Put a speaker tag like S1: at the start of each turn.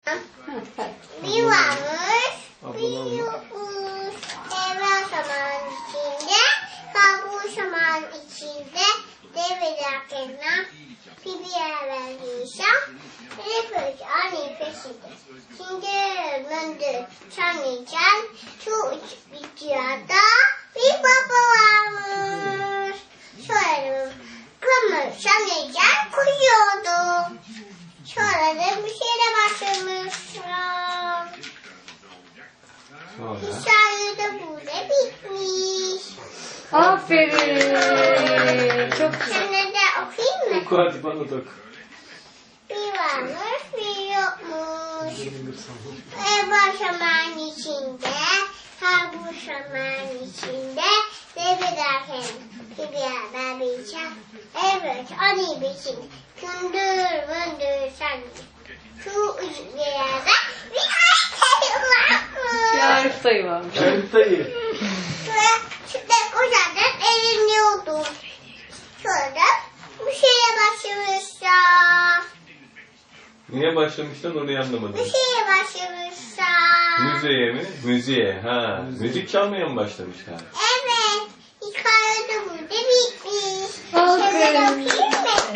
S1: Bir varmış, bir yokmuş. Evvel zaman içinde, kabul zaman içinde, develerken bir yer vermişim. Nefes ani peşinde. Şimdi ömündü çanlayacağım. Şu uç bitiyorda bir baba varmış. Şöyle kımır çanlayacağım koyuyordu. Sonra da bir şeyle başlamışım. Hikaye de burada bitmiş.
S2: Aferin. Çok güzel.
S1: Sana da okuyayım mı?
S3: Oku hadi bana da oku.
S1: Bir varmış bir yokmuş. Evvel zaman içinde, kabul zaman içinde, develerken bir yer vermişim. Evet, ani biçim. Kündür mündür sen. Şu yerde bir harita varmış.
S2: Yarif dayı varmış.
S3: Haritayı.
S1: Şurada kocaman eğleniyordum. Sonra bir şeye başlamışlar.
S3: Niye başlamıştın onu anlamadım.
S1: Bir şeye başlamışlar.
S3: Müziğe mi? Müziğe. Ha. Müzik çalmaya mı başlamışlar?
S1: Evet. Hikaye de burada bitmiş.
S2: Aferin.
S1: Şimdi okuyayım